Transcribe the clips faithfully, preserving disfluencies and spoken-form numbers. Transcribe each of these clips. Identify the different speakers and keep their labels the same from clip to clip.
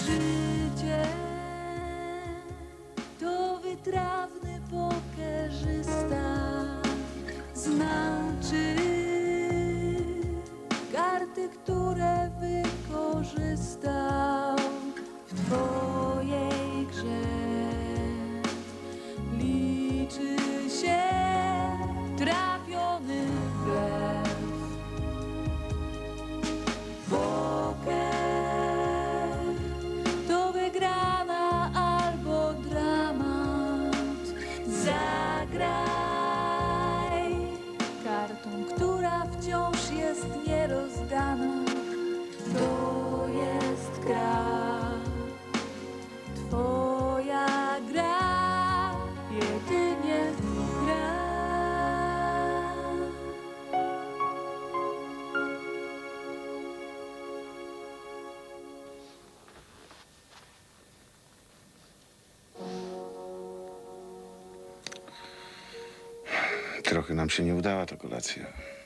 Speaker 1: Życie to wytrawny pokerzysta, znaczy karty, które wykorzystał w twojej grze. Liczy się trafiony blef. Poker to wygrana albo dramat. Zagraj kartą, która wciąż jest nierozdana. To jest gra, twoja gra, jedynie gra.
Speaker 2: Trochę nam się nie udała ta kolacja.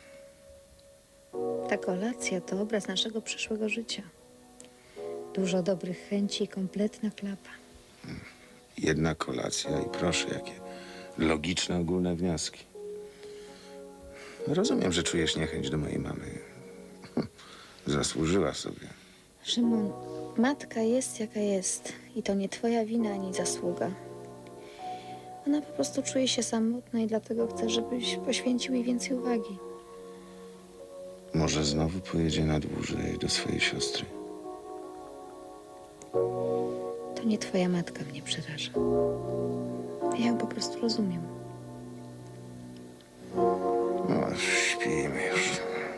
Speaker 3: Ta kolacja to obraz naszego przyszłego życia. Dużo dobrych chęci i kompletna klapa.
Speaker 2: Jedna kolacja i proszę, jakie logiczne, ogólne wnioski. Rozumiem, że czujesz niechęć do mojej mamy. Zasłużyła sobie.
Speaker 3: Szymon, matka jest jaka jest i to nie twoja wina ani zasługa. Ona po prostu czuje się samotna i dlatego chce, żebyś poświęcił jej więcej uwagi.
Speaker 2: Może znowu pojedzie na dłużej do swojej siostry.
Speaker 3: To nie twoja matka mnie przeraża. Ja ją po prostu rozumiem.
Speaker 2: No, śpijmy już.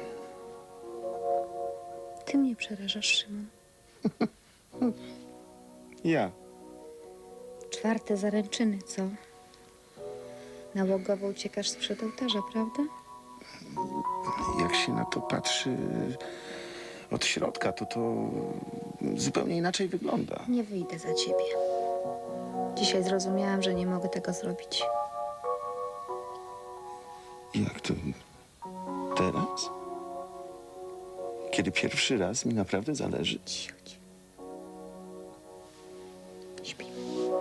Speaker 3: Ty mnie przerażasz, Szymon.
Speaker 2: Ja.
Speaker 3: Czwarte zaręczyny, co? Nałogowo uciekasz sprzed ołtarza, prawda?
Speaker 2: Jak się na to patrzy od środka, to to zupełnie inaczej wygląda.
Speaker 3: Nie wyjdę za ciebie. Dzisiaj zrozumiałam, że nie mogę tego zrobić.
Speaker 2: Jak to teraz? Kiedy pierwszy raz mi naprawdę zależy?
Speaker 3: Cicho, cicho. Śpimy.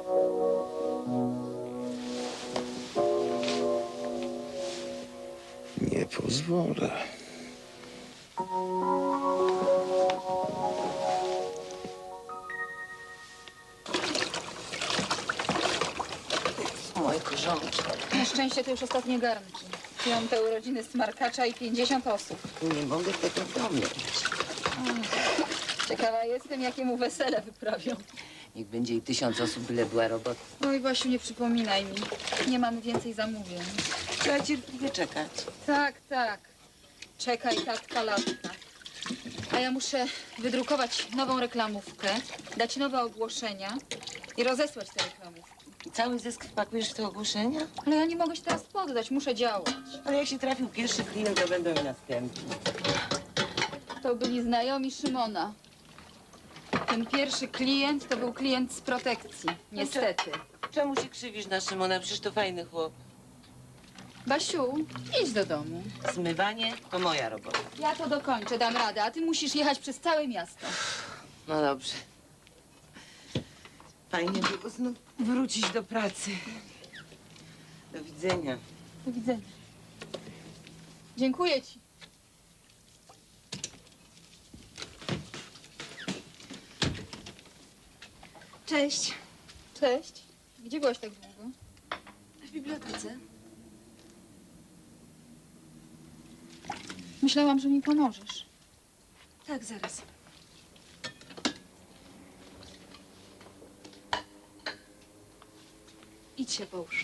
Speaker 2: Nie pozwolę.
Speaker 4: Moje korzonki.
Speaker 5: Na szczęście to już ostatnie garnki. Piąte urodziny smarkacza i pięćdziesiąt osób.
Speaker 4: Nie mogę tego pomyśleć.
Speaker 5: Ciekawa jestem, jakie mu wesele wyprawią.
Speaker 4: Niech będzie i tysiąc osób, byle była robota.
Speaker 5: Oj, Basiu, nie przypominaj mi. Nie mamy więcej zamówień.
Speaker 4: Trzeba cierpliwie czekać.
Speaker 5: Tak, tak. Czekaj, tatka, latka. A ja muszę wydrukować nową reklamówkę, dać nowe ogłoszenia i rozesłać te reklamówki.
Speaker 4: I cały zysk wpakujesz w te ogłoszenia?
Speaker 5: Ale ja nie mogę się teraz poddać, muszę działać.
Speaker 4: Ale jak się trafił pierwszy klient, to będą i następni.
Speaker 5: To byli znajomi Szymona. Ten pierwszy klient to był klient z protekcji, niestety.
Speaker 4: Czemu się krzywisz na Szymona? Przecież to fajny chłop.
Speaker 5: Basiu, idź do domu.
Speaker 4: Zmywanie to moja robota.
Speaker 5: Ja to dokończę, dam radę, a ty musisz jechać przez całe miasto.
Speaker 4: No dobrze. Fajnie było znów wrócić do pracy. Do widzenia.
Speaker 5: Do widzenia. Dziękuję ci.
Speaker 6: Cześć.
Speaker 5: Cześć. Gdzie byłaś tak długo?
Speaker 6: W bibliotece.
Speaker 5: Myślałam, że mi pomożesz.
Speaker 6: Tak, zaraz. Idź się połóż.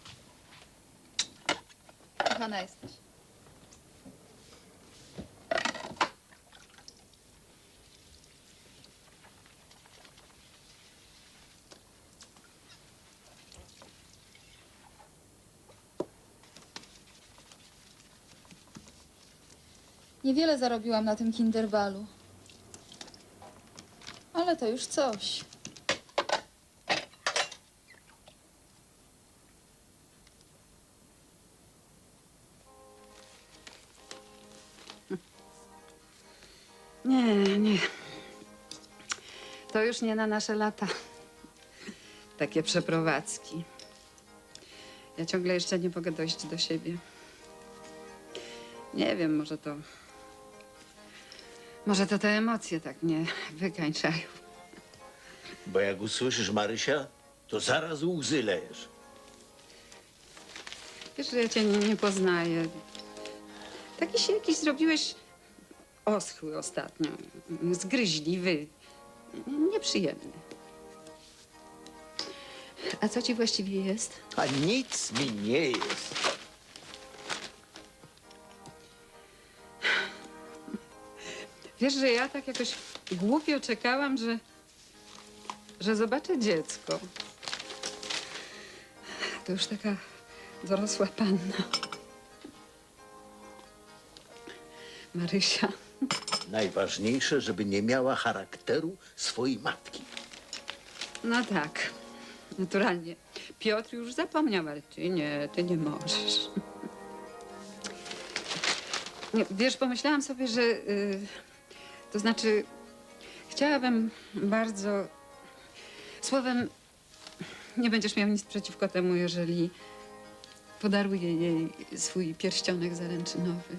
Speaker 5: Kochana jesteś. Niewiele zarobiłam na tym Kinderbalu. Ale to już coś.
Speaker 7: Nie, nie.
Speaker 4: To już nie na nasze lata. Takie przeprowadzki. Ja ciągle jeszcze nie mogę dojść do siebie. Nie wiem, może to... Może to te emocje tak mnie wykańczają.
Speaker 7: Bo jak usłyszysz Marysia, to zaraz łzy lejesz.
Speaker 4: Wiesz, że ja cię nie, nie poznaję. Taki się jakiś zrobiłeś oschły ostatnio. Zgryźliwy. Nieprzyjemny. A co ci właściwie jest?
Speaker 7: A nic mi nie jest.
Speaker 4: Wiesz, że ja tak jakoś głupio czekałam, że, że zobaczę dziecko. To już taka dorosła panna. Marysia.
Speaker 7: Najważniejsze, żeby nie miała charakteru swojej matki.
Speaker 4: No tak, naturalnie. Piotr już zapomniał, ale ty nie, ty nie możesz. Nie, wiesz, pomyślałam sobie, że... y, to znaczy, chciałabym bardzo... Słowem, nie będziesz miał nic przeciwko temu, jeżeli podaruję jej swój pierścionek zaręczynowy.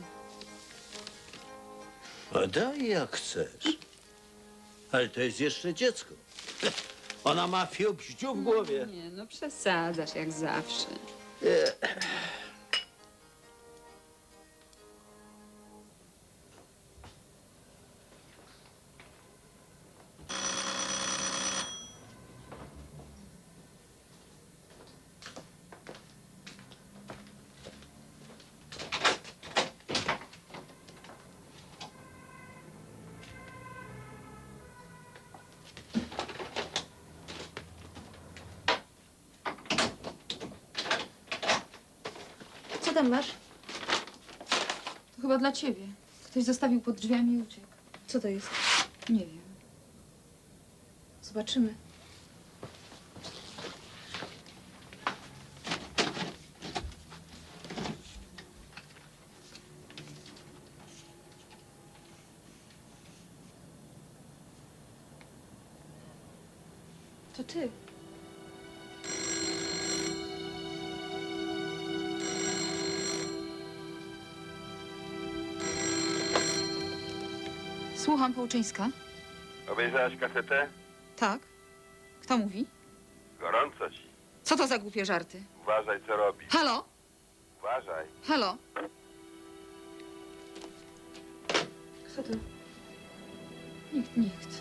Speaker 7: A daj jak chcesz. Ale to jest jeszcze dziecko. Ona ma fiobździu w głowie.
Speaker 4: Nie, no przesadzasz jak zawsze.
Speaker 3: Co tam masz?
Speaker 5: To chyba dla ciebie. Ktoś zostawił pod drzwiami i uciekł.
Speaker 3: Co to jest?
Speaker 5: Nie wiem.
Speaker 3: Zobaczymy. To ty.
Speaker 5: Słucham, Połczyńska.
Speaker 8: Obejrzałaś kasetę?
Speaker 5: Tak. Kto mówi?
Speaker 8: Gorąco ci.
Speaker 5: Co to za głupie żarty?
Speaker 8: Uważaj, co robisz.
Speaker 5: Halo?
Speaker 8: Uważaj.
Speaker 5: Halo?
Speaker 3: Kto to?
Speaker 5: Nikt, nikt.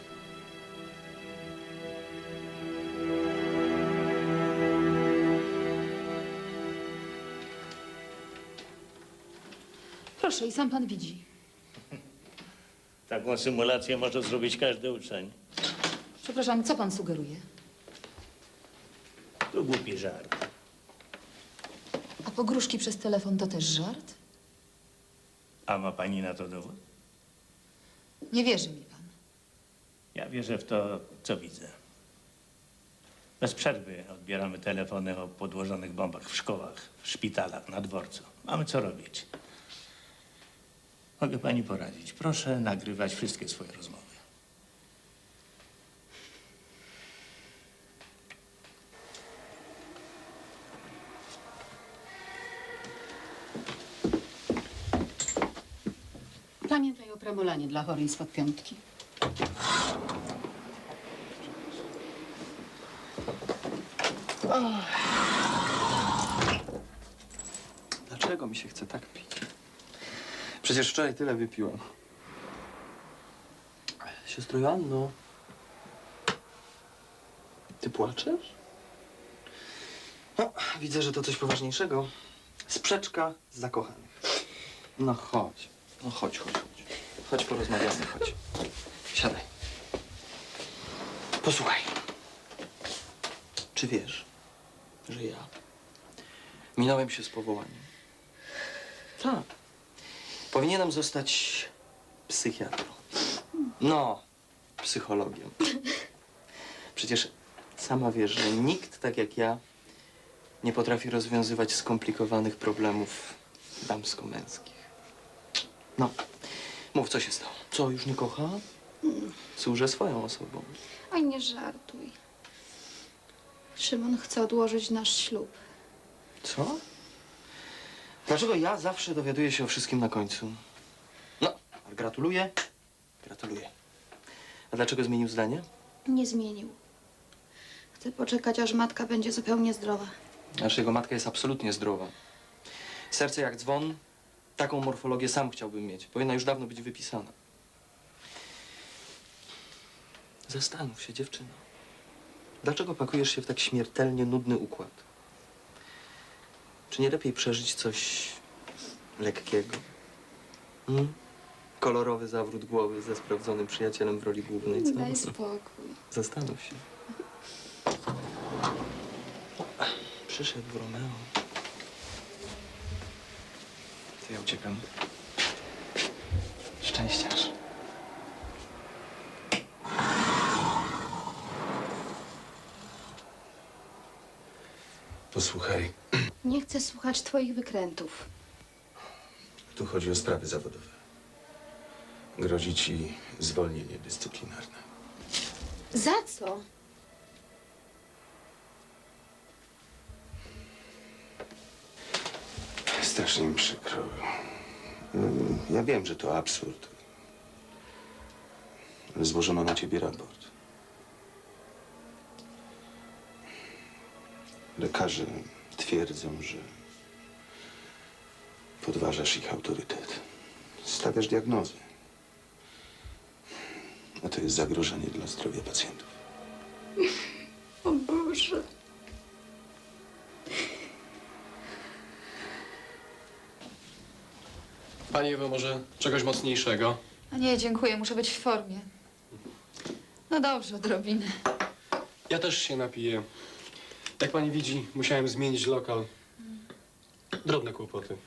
Speaker 5: Proszę, i sam pan widzi.
Speaker 7: Taką symulację może zrobić każdy uczeń.
Speaker 5: Przepraszam, co pan sugeruje?
Speaker 7: To głupi żart.
Speaker 5: A pogróżki przez telefon to też żart?
Speaker 9: A ma pani na to dowód?
Speaker 5: Nie wierzy mi pan.
Speaker 9: Ja wierzę w to, co widzę. Bez przerwy odbieramy telefony o podłożonych bombach w szkołach, w szpitalach, na dworcu. Mamy co robić. Mogę pani poradzić. Proszę nagrywać wszystkie swoje rozmowy.
Speaker 4: Pamiętaj o pramolanie dla chorej spod piątki.
Speaker 10: Dlaczego mi się chce tak pić? Przecież wczoraj tyle wypiłem. Siostro Joanno, ty płaczesz? No, widzę, że to coś poważniejszego. Sprzeczka z zakochanych. No chodź, no chodź, chodź, chodź. Chodź, porozmawiamy, chodź. Siadaj. Posłuchaj. Czy wiesz, że ja minąłem się z powołaniem? Tak. Powinienem zostać psychiatrą. No, psychologiem. Przecież sama wiesz, że nikt tak jak ja nie potrafi rozwiązywać skomplikowanych problemów damsko-męskich. No, mów, co się stało? Co, już nie kocha? Służę swoją osobą.
Speaker 3: Oj, nie żartuj. Szymon chce odłożyć nasz ślub.
Speaker 10: Co? Dlaczego ja zawsze dowiaduję się o wszystkim na końcu? No, ale gratuluję. Gratuluję. A dlaczego zmienił zdanie?
Speaker 3: Nie zmienił. Chce poczekać, aż matka będzie zupełnie zdrowa.
Speaker 10: Znaczy, jego matka jest absolutnie zdrowa. Serce jak dzwon. Taką morfologię sam chciałbym mieć. Powinna już dawno być wypisana. Zastanów się, dziewczyno. Dlaczego pakujesz się w tak śmiertelnie nudny układ? Czy nie lepiej przeżyć coś lekkiego? Hmm? Kolorowy zawrót głowy ze sprawdzonym przyjacielem w roli głównej, co?
Speaker 3: Daj spokój.
Speaker 10: Zastanów się. Przyszedł Romeo. To ja uciekam. Szczęściarz.
Speaker 2: Posłuchaj,
Speaker 3: Nie chcę słuchać twoich wykrętów.
Speaker 2: tu chodzi o sprawy zawodowe. Grozi ci zwolnienie dyscyplinarne.
Speaker 3: Za co?
Speaker 2: Strasznie mi przykro. Mm, Ja wiem, że to absurd. Ale złożono na ciebie raport. Lekarze twierdzą, że podważasz ich autorytet. Stawiasz diagnozy. A to jest zagrożenie dla zdrowia pacjentów.
Speaker 3: O Boże.
Speaker 11: Pani Ewo, może czegoś mocniejszego?
Speaker 5: A nie, dziękuję, muszę być w formie. No dobrze, odrobinę.
Speaker 11: Ja też się napiję. Jak pani widzi, musiałem zmienić lokal. Drobne kłopoty.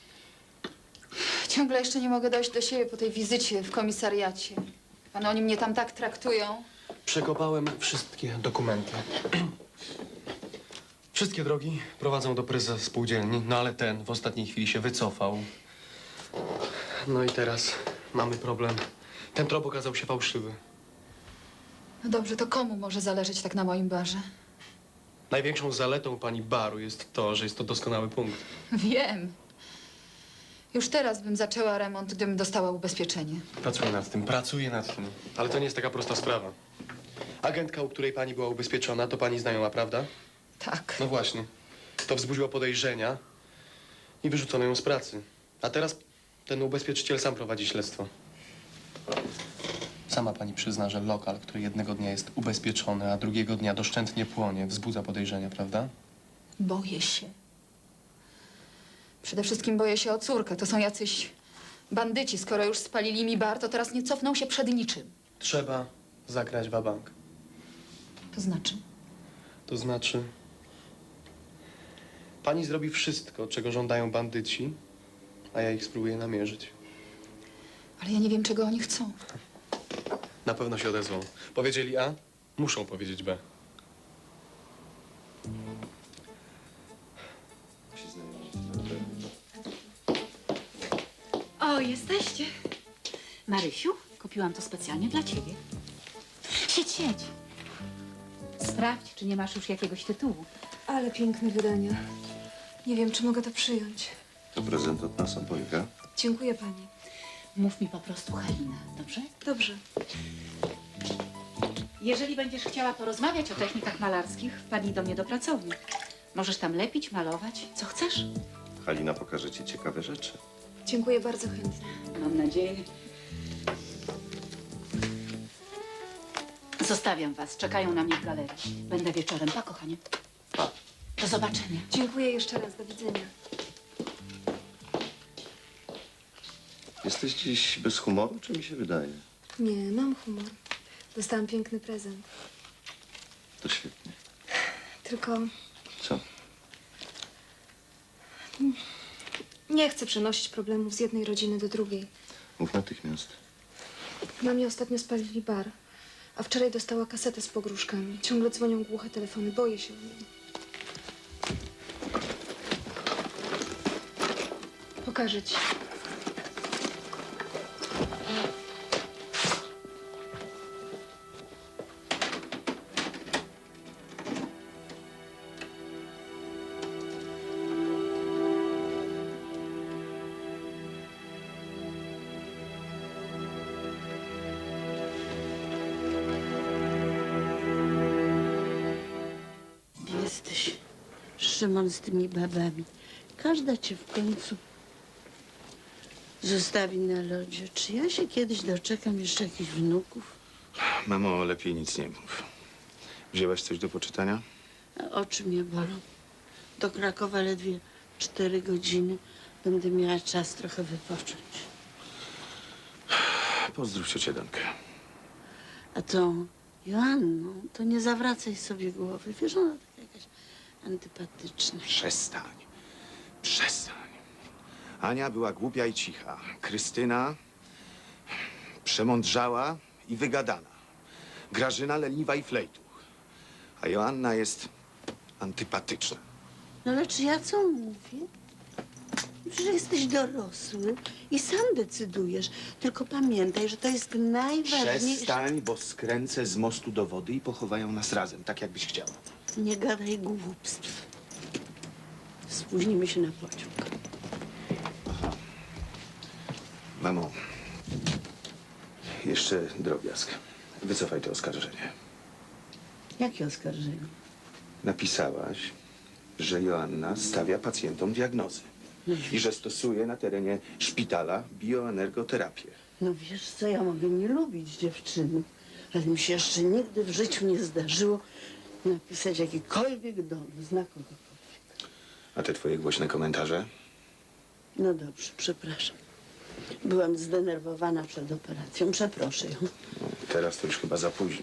Speaker 5: Ciągle jeszcze nie mogę dojść do siebie po tej wizycie w komisariacie. Panu, oni mnie tam tak traktują.
Speaker 11: Przekopałem wszystkie dokumenty. Wszystkie drogi prowadzą do prezesa spółdzielni, no ale ten w ostatniej chwili się wycofał. No i teraz mamy problem. Ten trop okazał się fałszywy.
Speaker 5: No dobrze, to komu może zależeć tak na moim barze?
Speaker 11: Największą zaletą pani baru jest to, że jest to doskonały punkt.
Speaker 5: Wiem. Już teraz bym zaczęła remont, gdybym dostała ubezpieczenie.
Speaker 11: Pracuję nad tym, pracuję nad tym. Ale to nie jest taka prosta sprawa. Agentka, u której pani była ubezpieczona, to pani znajoma, prawda?
Speaker 5: Tak.
Speaker 11: No właśnie. To wzbudziło podejrzenia i wyrzucono ją z pracy. A teraz ten ubezpieczyciel sam prowadzi śledztwo. Sama pani przyzna, że lokal, który jednego dnia jest ubezpieczony, a drugiego dnia doszczętnie płonie, wzbudza podejrzenia, prawda?
Speaker 5: Boję się. Przede wszystkim boję się o córkę. To są jacyś bandyci. Skoro już spalili mi bar, to teraz nie cofną się przed niczym.
Speaker 11: Trzeba zagrać wabank.
Speaker 5: To znaczy?
Speaker 11: To znaczy... Pani zrobi wszystko, czego żądają bandyci, a ja ich spróbuję namierzyć.
Speaker 5: Ale ja nie wiem, czego oni chcą.
Speaker 11: Na pewno się odezwą. Powiedzieli A, muszą powiedzieć B.
Speaker 6: O, jesteście. Marysiu, kupiłam to specjalnie dla ciebie. Siedź, siedź. Sprawdź, czy nie masz już jakiegoś tytułu.
Speaker 1: Ale piękne wydania. Nie wiem, czy mogę to przyjąć.
Speaker 2: To prezent od nas obojga.
Speaker 1: Dziękuję pani.
Speaker 6: Mów mi po prostu Halina, dobrze?
Speaker 1: Dobrze.
Speaker 6: Jeżeli będziesz chciała porozmawiać o technikach malarskich, wpadnij do mnie do pracowni. Możesz tam lepić, malować, co chcesz.
Speaker 2: Halina pokaże ci ciekawe rzeczy.
Speaker 1: Dziękuję bardzo chętnie.
Speaker 6: Mam nadzieję. Zostawiam was, czekają na mnie w galerii. Będę wieczorem, pa, kochanie. Do zobaczenia.
Speaker 1: Dziękuję jeszcze raz. Do widzenia.
Speaker 2: Jesteś dziś bez humoru, czy mi się wydaje?
Speaker 1: Nie, mam humor. Dostałam piękny prezent.
Speaker 2: To świetnie.
Speaker 1: Tylko
Speaker 2: Co?
Speaker 1: nie chcę przenosić problemów z jednej rodziny do drugiej.
Speaker 2: Mów natychmiast.
Speaker 1: Mamie ostatnio spalili bar, a wczoraj dostała kasetę z pogróżkami. Ciągle dzwonią głuche telefony. Boję się o nią. Pokażę ci.
Speaker 12: Szymon, z tymi babami. Każda cię w końcu zostawi na lodzie. Czy ja się kiedyś doczekam jeszcze jakichś wnuków?
Speaker 2: Mamo, lepiej nic nie mów. Wzięłaś coś do poczytania?
Speaker 12: A oczy mnie bolą. Do Krakowa ledwie cztery godziny. Będę miała czas trochę wypocząć.
Speaker 2: Pozdrów ciocię Dankę.
Speaker 12: A tą Joanną, to nie zawracaj sobie głowy. Wiesz, ona taka jakaś antypatyczna.
Speaker 2: Przestań. Przestań. Ania była głupia i cicha. Krystyna przemądrzała i wygadana. Grażyna leniwa i flejtuch. A Joanna jest antypatyczna.
Speaker 12: No ale czy ja co mówię? Przecież jesteś dorosły i sam decydujesz. Tylko pamiętaj, że to jest najważniejsze.
Speaker 2: Przestań, bo skręcę z mostu do wody i pochowają nas razem, tak jakbyś chciała.
Speaker 12: Nie gadaj głupstw. Spóźnimy się na pociąg.
Speaker 2: Mamo, jeszcze drobiazg. Wycofaj to oskarżenie.
Speaker 12: Jakie oskarżenie?
Speaker 2: Napisałaś, że Joanna stawia pacjentom diagnozy i że stosuje na terenie szpitala bioenergoterapię.
Speaker 12: No wiesz co, ja mogę nie lubić dziewczyny, ale mi się jeszcze nigdy w życiu nie zdarzyło napisać jakikolwiek dowód na kogokolwiek.
Speaker 2: A te twoje głośne komentarze?
Speaker 12: No dobrze, przepraszam. Byłam zdenerwowana przed operacją. Przeproszę ją.
Speaker 2: No, teraz to już chyba za późno.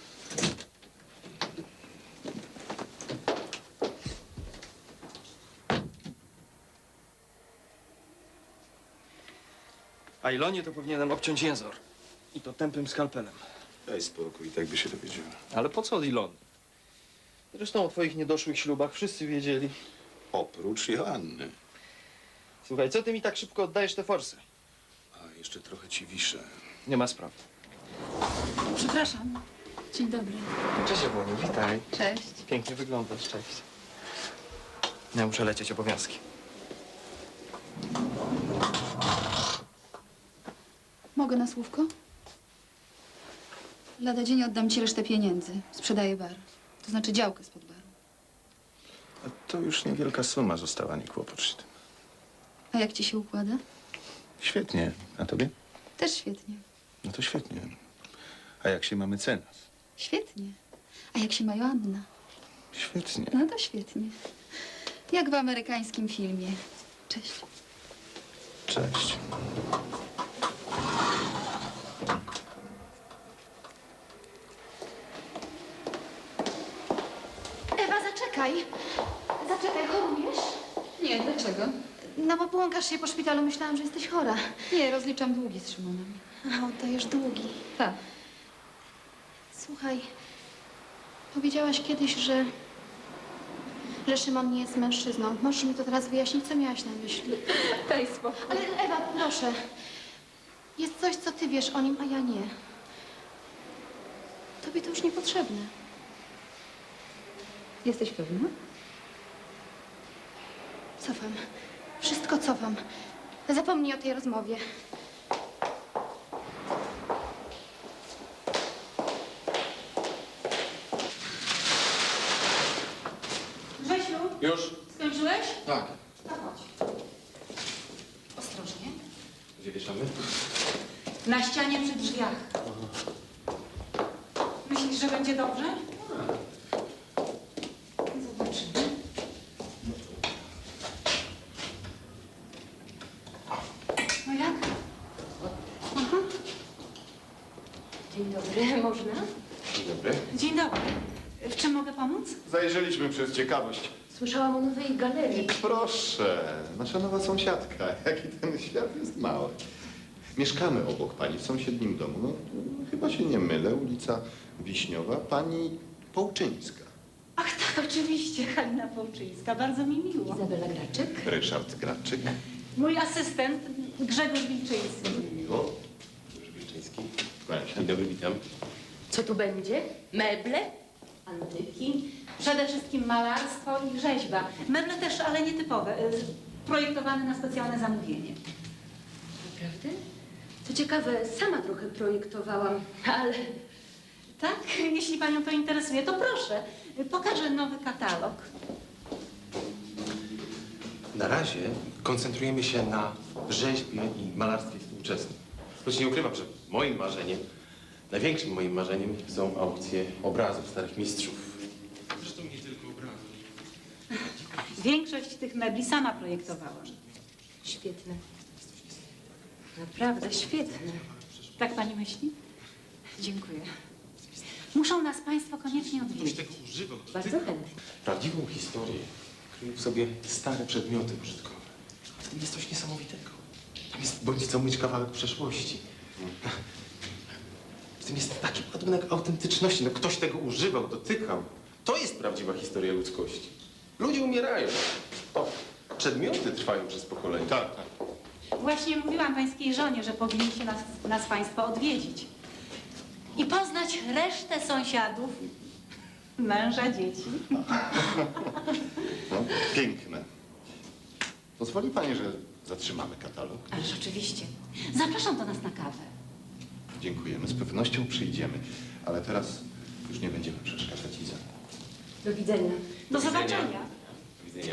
Speaker 10: A Ilonie to powinienem obciąć jęzor. I to tępym skalpelem.
Speaker 2: Daj spokój, tak by się dowiedziała.
Speaker 10: Ale po co od Ilony? Zresztą o twoich niedoszłych ślubach wszyscy wiedzieli.
Speaker 2: Oprócz Joanny.
Speaker 10: Słuchaj, co ty mi tak szybko oddajesz te forsy?
Speaker 2: A jeszcze trochę ci wiszę.
Speaker 10: Nie ma sprawy.
Speaker 5: Przepraszam. Dzień dobry.
Speaker 10: Cześć, Ewoniu, witaj.
Speaker 5: Cześć.
Speaker 10: Pięknie wyglądasz, cześć. Ja muszę lecieć, obowiązki.
Speaker 5: Mogę na słówko? Lada dzień oddam ci resztę pieniędzy. Sprzedaję bar. To znaczy działkę spod baru.
Speaker 2: A to już niewielka suma została, nie kłopocz się tym.
Speaker 5: A jak ci się układa?
Speaker 2: Świetnie. A tobie?
Speaker 5: Też świetnie.
Speaker 2: No to świetnie. A jak się mamy cenas?
Speaker 5: Świetnie. A jak się ma Joanna?
Speaker 2: Świetnie.
Speaker 5: No to świetnie. Jak w amerykańskim filmie. Cześć.
Speaker 2: Cześć.
Speaker 1: Ewa, zaczekaj. Zaczekaj, chorujesz?
Speaker 5: Nie, dlaczego?
Speaker 1: No bo błąkasz się po szpitalu, myślałam, że jesteś chora.
Speaker 5: Nie, rozliczam długi z Szymonem.
Speaker 1: A, oddajesz długi.
Speaker 5: Tak.
Speaker 1: Słuchaj, powiedziałaś kiedyś, że... że Szymon nie jest mężczyzną. Możesz mi to teraz wyjaśnić, co miałaś na myśli?
Speaker 5: Daj spokój.
Speaker 1: Ale Ewa, proszę. Jest coś, co ty wiesz o nim, a ja nie. Tobie to już niepotrzebne.
Speaker 5: Jesteś pewna?
Speaker 1: Cofam. Wszystko cofam. Zapomnij o tej rozmowie.
Speaker 5: Grzesiu,
Speaker 11: Już?
Speaker 5: skończyłeś?
Speaker 11: Tak.
Speaker 5: No chodź. Ostrożnie.
Speaker 11: Gdzie wieszamy?
Speaker 6: Na ścianie przy drzwiach. Myślisz, że będzie dobrze? Zobaczymy. No jak? Aha.
Speaker 13: Dzień dobry, można?
Speaker 11: Dzień dobry.
Speaker 6: Dzień dobry. W czym mogę pomóc?
Speaker 14: Zajrzeliśmy przez ciekawość.
Speaker 13: Słyszałam o nowej galerii.
Speaker 14: Proszę, nasza nowa sąsiadka. Jaki ten świat jest mały. Mieszkamy obok pani w sąsiednim domu. No, chyba się nie mylę. Ulica Wiśniowa, pani Połczyńska.
Speaker 6: Ach tak, oczywiście. Halina Połczyńska. Bardzo mi miło.
Speaker 13: Izabela Graczyk.
Speaker 14: Ryszard Graczyk.
Speaker 6: Mój asystent Grzegorz Wilczyński.
Speaker 14: Miło. Grzegorz Wilczyński. Kłaniam się. Dzień dobry, witam.
Speaker 13: Co tu będzie? Meble? Antyki?
Speaker 6: Przede wszystkim malarstwo i rzeźba. Meble też, ale nietypowe. y, Projektowane na specjalne zamówienie.
Speaker 13: Naprawdę? Co ciekawe, sama trochę projektowałam, ale...
Speaker 6: Tak? Jeśli panią to interesuje, to proszę. Pokażę nowy katalog.
Speaker 11: Na razie koncentrujemy się na rzeźbie i malarstwie współczesnym. Choć nie ukrywam, że moim marzeniem, największym moim marzeniem są aukcje obrazów starych mistrzów. Zresztą nie tylko obrazów.
Speaker 6: Większość tych mebli sama projektowałam.
Speaker 13: Świetne. Naprawdę świetne.
Speaker 6: Tak pani myśli? Dziękuję. Muszą nas państwo koniecznie odwiedzić. Bardzo chętnie.
Speaker 11: Prawdziwą historię kryją w sobie stare przedmioty użytkowe. W tym jest coś niesamowitego. Tam jest bądź co myć kawałek przeszłości. W tym jest taki ładunek autentyczności. No ktoś tego używał, dotykał. To jest prawdziwa historia ludzkości. Ludzie umierają. O, przedmioty trwają przez pokolenia. Tak, tak.
Speaker 6: Właśnie mówiłam pańskiej żonie, że powinniście nas, nas państwo odwiedzić. I poznać resztę sąsiadów, męża, dzieci.
Speaker 14: No, piękne. Pozwoli pani, że zatrzymamy katalog?
Speaker 6: Ależ oczywiście. Zapraszam do nas na kawę.
Speaker 14: Dziękujemy, z pewnością przyjdziemy. Ale teraz już nie będziemy przeszkadzać Iza.
Speaker 13: Do widzenia.
Speaker 6: Do zobaczenia.
Speaker 11: Do widzenia.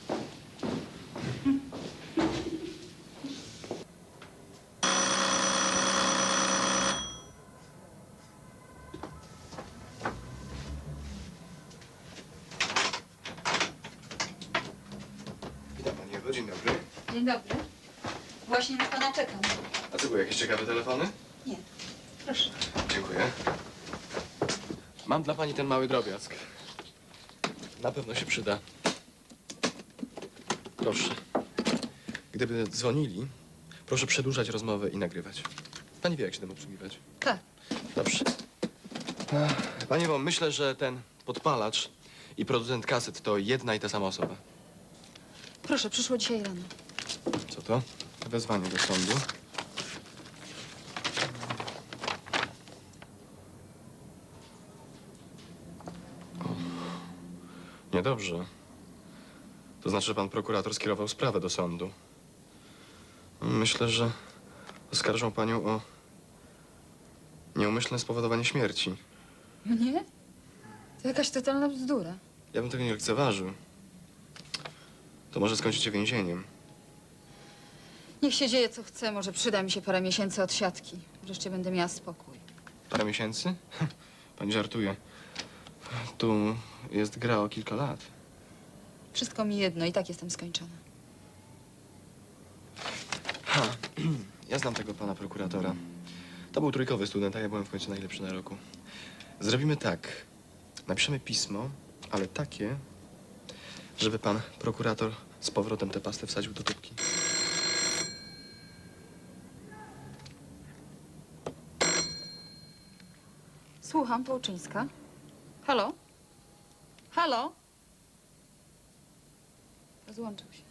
Speaker 10: Witam pani Ewo, dzień dobry.
Speaker 5: Dzień dobry. Właśnie na pana czekam.
Speaker 10: A co, były jakieś ciekawe telefony?
Speaker 5: Nie. Proszę.
Speaker 10: Dziękuję. Mam dla pani ten mały drobiazg. Na pewno się przyda. Proszę. Gdyby dzwonili, proszę przedłużać rozmowę i nagrywać. Pani wie, jak się tym obsługiwać.
Speaker 5: Tak.
Speaker 10: Dobrze. Ech, Panie Ewo, myślę, że ten podpalacz i producent kaset to jedna i ta sama osoba.
Speaker 5: Proszę, przyszło dzisiaj rano.
Speaker 10: Co to? Wezwanie do sądu. Niedobrze. To znaczy, że pan prokurator skierował sprawę do sądu. Myślę, że oskarżą panią o nieumyślne spowodowanie śmierci.
Speaker 5: Mnie? To jakaś totalna bzdura.
Speaker 10: Ja bym tego nie lekceważył. To może skończyć się więzieniem.
Speaker 5: Niech się dzieje, co chce. Może przyda mi się parę miesięcy od siatki. Wreszcie będę miała spokój.
Speaker 10: Parę miesięcy? Pani żartuje. Tu jest gra o kilka lat.
Speaker 5: Wszystko mi jedno i tak jestem skończona.
Speaker 10: Ha. Ja znam tego pana prokuratora. To był trójkowy student, a ja byłem w końcu najlepszy na roku. Zrobimy tak. Napiszemy pismo, ale takie, żeby pan prokurator z powrotem tę pastę wsadził do tubki.
Speaker 5: Słucham, Połczyńska. Halo? Halo? Rozłączył się.